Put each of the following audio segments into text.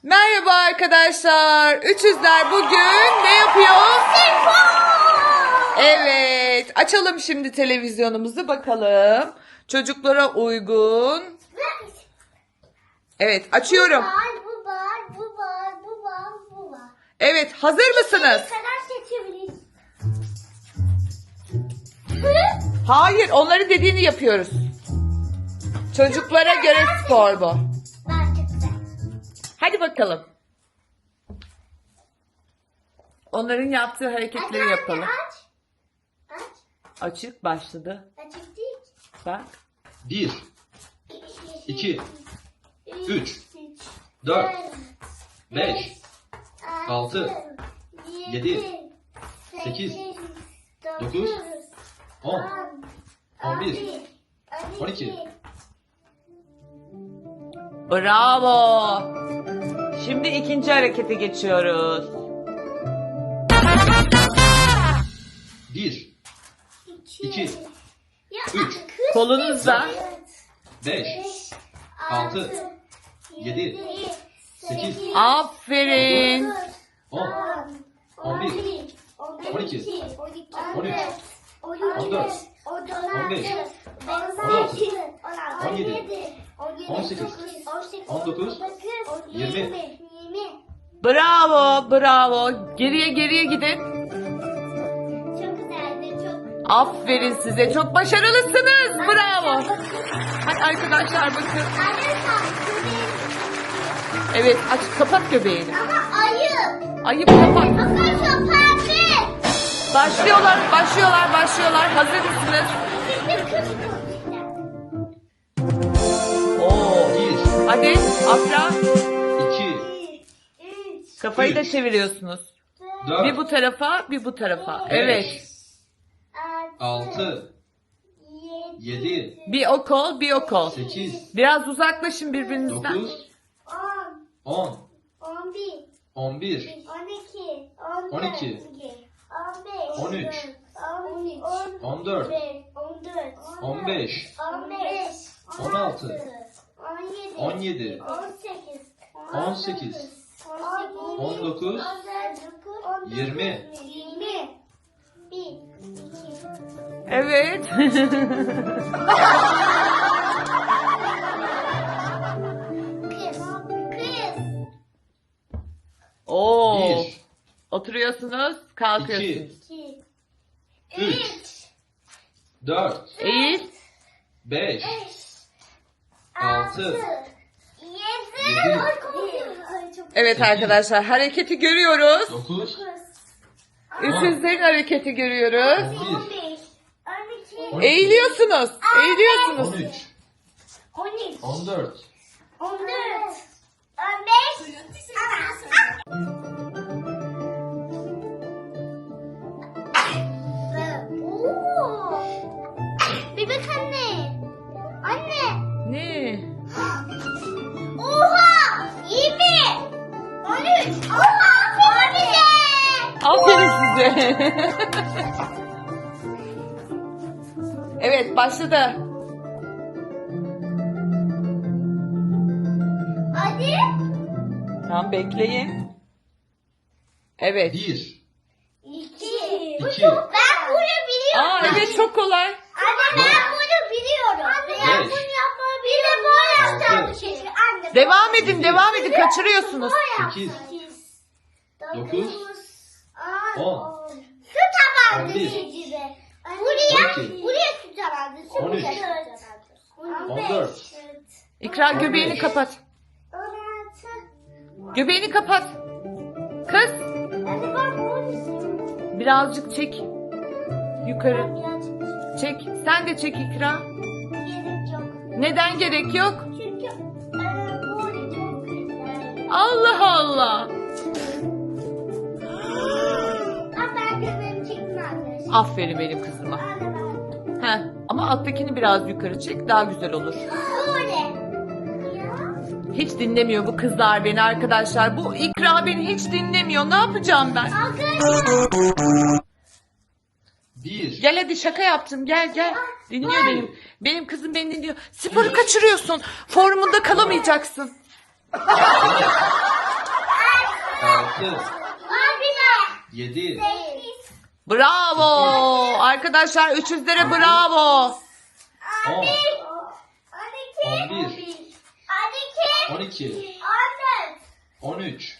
Merhaba arkadaşlar. Üçüzler bugün ne yapıyor? Evet. Açalım şimdi televizyonumuzu bakalım. Çocuklara uygun. Evet, açıyorum. Bu var. Evet, hazır mısınız? Kadar seçebiliriz. Hayır, onları dediğini yapıyoruz. Çocuklara göre spor bu. Ben çıktı. Hadi bakalım. Onların yaptığı hareketleri yapalım. Aç. Açık başladı. Açık değil. Bak. 1, 2, 3, 4, 5, 6, 7, 8, 9, 10, 11, 12. Bravo. Şimdi ikinci harekete geçiyoruz. 1, 2, 3, Kolunuzla. 5, 6, 7, 8, Aferin. 10, 11, 12, 13, 14, 15, 16, 17, 18, 19, 20. Bravo, bravo. Geriye gidin. Çok güzeldi. Çok. Aferin size. Çok başarılısınız. Bravo. Hadi arkadaşlar bakın. Evet, aç, kapat göbeğini. Ama ayı. Ayıp kapat. Arkadaşlar pembe. Başlıyorlar. Hazır mısınız? Oo. 1, Hadi Afra. 2, 3, Kafayı da çeviriyorsunuz. Bir 4, bu tarafa, bir bu tarafa. Evet. 6, 7, Bir o kol, bir o kol. 8, Biraz uzaklaşın birbirinizden. 9, 10, 10, 11, 11, 12, 13, 14, 15, 16, 17, 18, 19, 20. Evet. Oo. 1, Oturuyorsunuz, kalkıyorsunuz. 2, 3, 4, Eğil. 5, 6, 7, Evet arkadaşlar, hareketi görüyoruz. 9, Üçüzlerin hareketi görüyoruz. 11, 12, Eğiliyorsunuz. 13, 14, Bebek anne. Anne. Ne? Oha! 20! 13! Oha! Aferin size. Evet, başladı. Hadi. Tamam, bekleyin. Evet. 1, 2. 2, Ben bunu biliyorum. Aa, evet, çok kolay. Anne ben bunu biliyorum. Anne ben Beş. bunu yapmayı biliyorum. Bir de bu yapacağım şey. Anne. Devam edin, kaçırıyorsunuz. 8, 9, 10, Su tabandı 11, gibi. Buraya 12, su tabandı. Su 13, tabandı. 14, İkra, göbeğini 15. kapat. 16. Göbeğini kapat. Kız, Hadi bak bunu. birazcık çek. Yukarı. Birazcık Çek. Sen de çek İkra. gerek yok. Neden gerek yok? Çünkü bu çok güzel. Allah Allah. Ben göbeğimi çektim arkadaşlar. Aferin benim kızıma. Heh, ama alttakini biraz yukarı çek, daha güzel olur. Böyle. Hiç dinlemiyor bu kızlar beni arkadaşlar. Bu İkra beni hiç dinlemiyor. Ne yapacağım ben? Arkadaşlar. 1, Gel hadi, şaka yaptım. Gel. Dinliyor benim. Benim kızım beni dinliyor. Sporu kaçırıyorsun. Formunda kalamayacaksın. 7, Bravo. Arkadaşlar 300'lere bravo. 10, 11, 12, 13,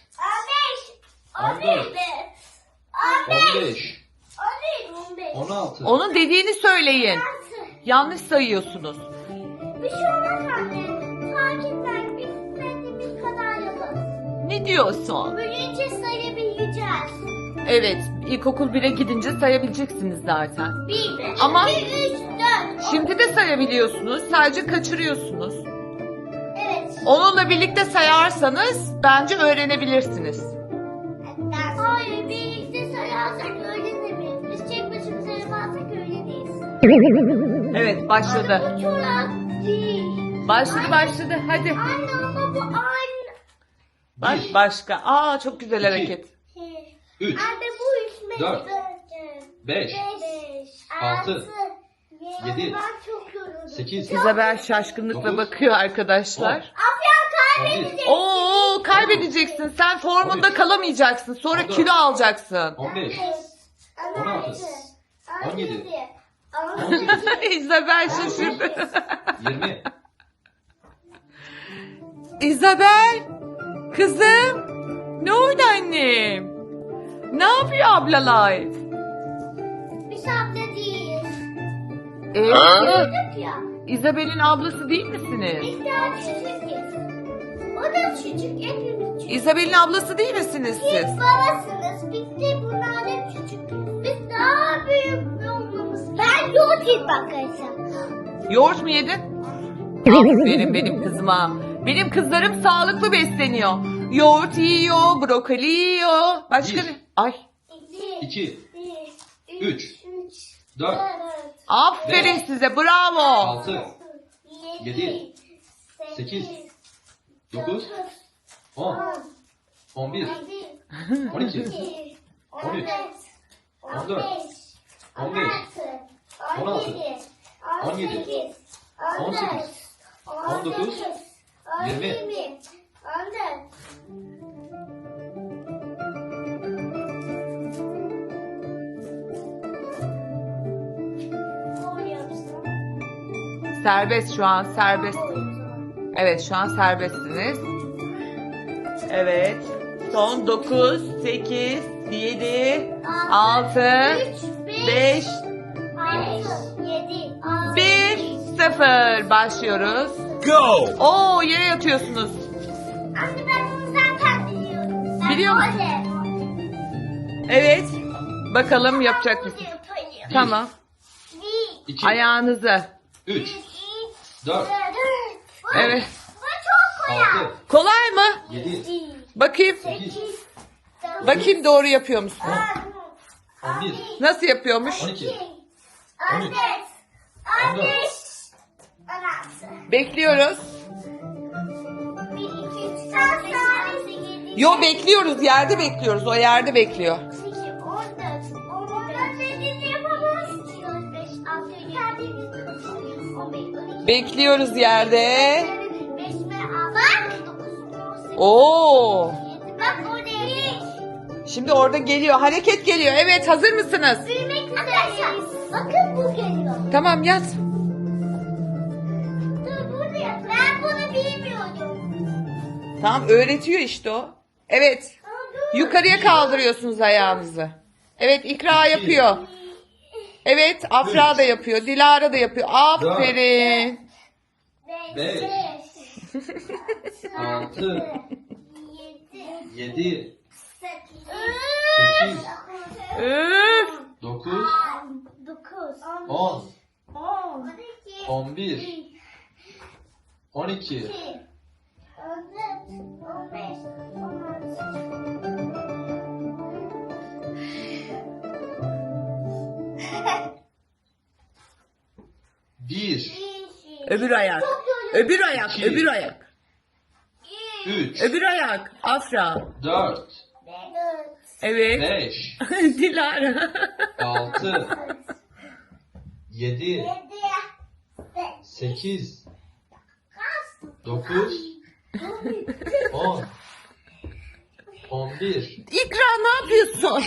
15, 16. Onun dediğini söyleyin. Yanlış sayıyorsunuz. Bir şey olmaz anne. Takipten istediğimiz kadar yaparız. Ne diyorsun? Büyüyünce sayabileceğiz. Evet, ilkokul 1'e gidince sayabileceksiniz zaten. 1, Ama 2, 3, 4. Şimdi de sayabiliyorsunuz, sadece kaçırıyorsunuz. Evet. Onunla birlikte sayarsanız bence öğrenebilirsiniz. Hayır, birlikte sayarsak öğrenemeyiz. Biz tek başımıza yaparsak öğreneyiz. Evet, başladı. Bu çorap değil. Başladı. Hadi. Anne ama bu aynı. Bak başka. Aa çok güzel hareket. 3, Anne bu ismi. 4, 5, 6, 7, Ben çok yoruldum. 8, İzabel şaşkınlıkla Dokuz. bakıyor arkadaşlar. Afyon 11, kaybedecek. Oo kaybedeceksin. Sen formunda kalamayacaksın. Sonra 14. kilo alacaksın. 15, 16, 17, 18. İzabel şaşırdı. 20, İzabel. Kızım. Ne oldu annem? Ne yapıyor ablalar? Biz abla değiliz. Evet. Ya. İzabel'in ablası değil misiniz? Biz daha küçüğüz. O da küçük. Hepimiz küçük. İzabel'in ablası değil misiniz siz? Siz babasınız. Biz de bunlar da küçük. Biz daha büyük olmamız. Ben yoğurt yiyip arkadaşlar. Yoğurt mu yedin? Aferin benim kızıma. Benim kızlarım sağlıklı besleniyor. Yoğurt yiyor, brokoli yiyor. Başka Bir. ne? Ay. 2, 3, 4, Aferin size. Bravo. 6, 7, 8, 9, 10, 11, 12, 13, 14, 15, 16, 17, 18, 19, 20. Serbest şu an serbest. Evet şu an serbestsiniz. Evet. Son 9, 8, 7, 6, 5, 1, 0. Başlıyoruz. Go! Oo yere yatıyorsunuz. Anne ben bunu zaten biliyorum. Ben Biliyor musun? öyle. Evet. Bakalım yapacak mısın? Yaparım. Tamam. 2, Ayağınızı. 3, 4, Evet. Bu çok kolay. 6, Kolay mı? 7, Bakayım. 8, Bakayım doğru yapıyor musun? 11, Nasıl yapıyormuş? 12, 13, 14. Bekliyoruz. Yo bekliyoruz. Yerde bekliyoruz. O yerde bekliyor. Bekliyoruz yerde. Bak. Oo. Bak oraya. Şimdi orada geliyor. Hareket geliyor. Evet hazır mısınız? Büyümek üzereyiz. Bakın bu geliyor. Tamam yat. Dur burada yap. Ben bunu bilmiyordum. Tamam öğretiyor işte o. Evet. Ama dur. Yukarıya kaldırıyorsunuz ayağınızı. Evet İkra yapıyor. Evet Afra da yapıyor. Dilara da yapıyor. Aferin. 5, 6, 7, 8, Üf. 9, 9, 10, 12, 11, 12, 15, 1, Öbür ayak. Öbür ayak. İki. Öbür ayak. 3, Öbür ayak. Afra. 4, Evet. 5, Dilara. 6, 7, 8, 9, 10, 11. İkra ne yapıyorsun?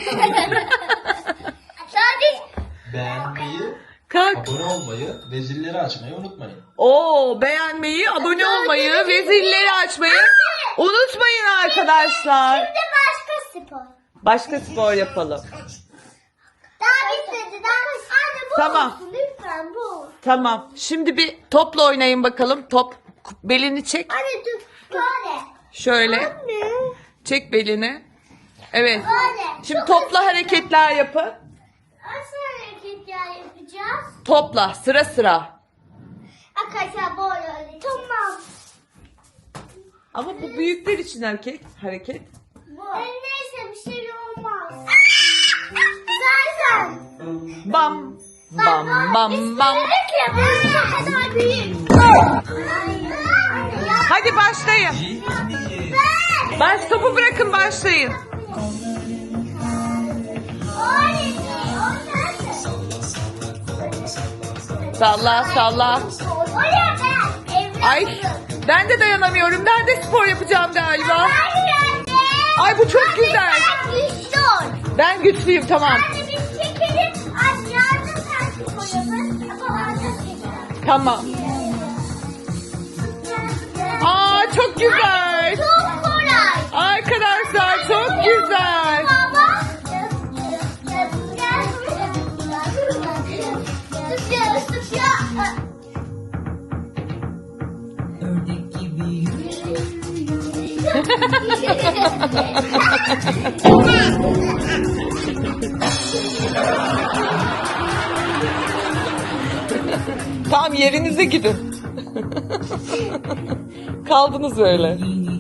Sadece Beğenmeyi, Kalk. abone olmayı ve zilleri açmayı unutmayın. Oo, beğenmeyi, abone olmayı ve zilleri açmayı unutmayın arkadaşlar. şimdi başka spor. Başka spor yapalım. Daha bitmedi. Anne bu Tamam. olsun lütfen bu. Tamam. Şimdi bir topla oynayın bakalım. Top. Belini çek. Anne dur. Böyle. Şöyle. Anne. Çek belini. Evet. Böyle. Şimdi topla hareketler yapın. Nasıl hareketler yapacağız? Topla sıra sıra. Arkadaşlar böyle. Tamam. Ama bu büyükler için hareket. Bu. Neyse bir şey olmaz. Zaten. Bam. Bam bam bam. Bu kadar büyük. Hadi başlayın. Topu bırakın başlayın. Salla salla. Ay ben de dayanamıyorum. Ben de spor yapacağım galiba. Ay bu çok güzel. Ben güçlüyüm tamam. Tamam. Aa çok güzel. Çok kolay. Arkadaşlar çok güzel. Ördek gibi yürü. Tam yerinize gidin. Kaldınız öyle.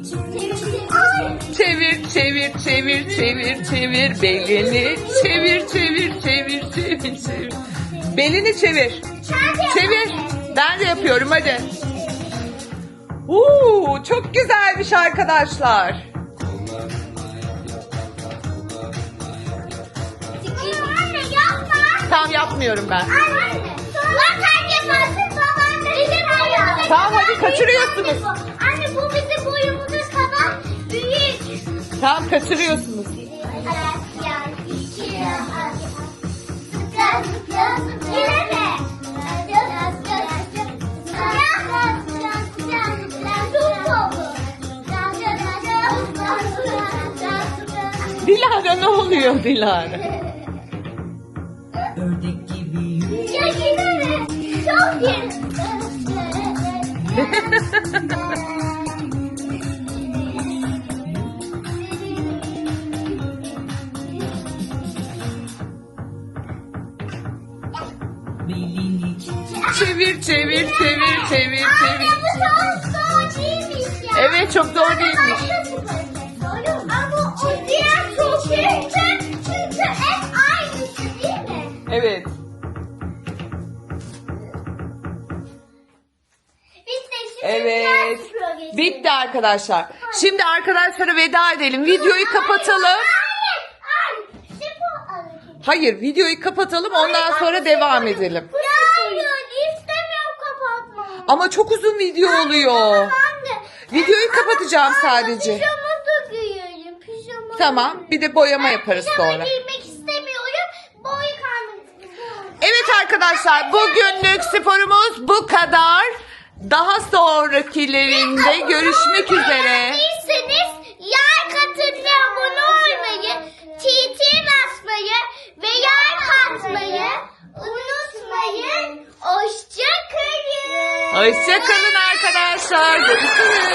Çevir çevir çevir çevir çevir belini çevir çevir çevir çevir çevir. Belini çevir. Çevir. Ben de yapıyorum hadi. Çok güzelmiş arkadaşlar. Anne yapma. Tam yapmıyorum ben. Anne. Sen yaparsın babaanne. Bizim Tamam hadi kaçırıyorsunuz. Anne bu bizim boyumuzun kadar büyük. Tamam kaçırıyorsunuz. Yine mi? Dilara ne oluyor Dilara? Ördek gibi yürü. Ya yine mi? Çok yeni. Belini çek. Çevir çevir çevir çevir Anne çevir. bu çok zor değilmiş ya. Evet çok zor değilmiş. Ama o diğer çok büyük çünkü hep aynısı değil mi? Evet. Bitti şimdi Evet. diğer spora geçelim. Bitti arkadaşlar. Şimdi arkadaşlara veda edelim. Videoyu kapatalım. Hayır. Spor hareketi. Hayır videoyu kapatalım ondan sonra devam edelim. Hayır istemiyorum kapatmayı. Ama çok uzun video oluyor. Anne. Videoyu kapatacağım sadece. Pijama da giyelim. Pijama. Tamam bir de boyama yaparız Pijama sonra. giymek istemiyorum. Boy kalmak istiyorum. Evet arkadaşlar bugünlük sporumuz bu kadar. Daha sonrakilerinde görüşmek üzere. Beğendiyseniz like atın ve abone olmayı, TT basmayı ve like atmayı unutmayın. Hoşça kalın. Hoşça kalın arkadaşlar. Görüşürüz.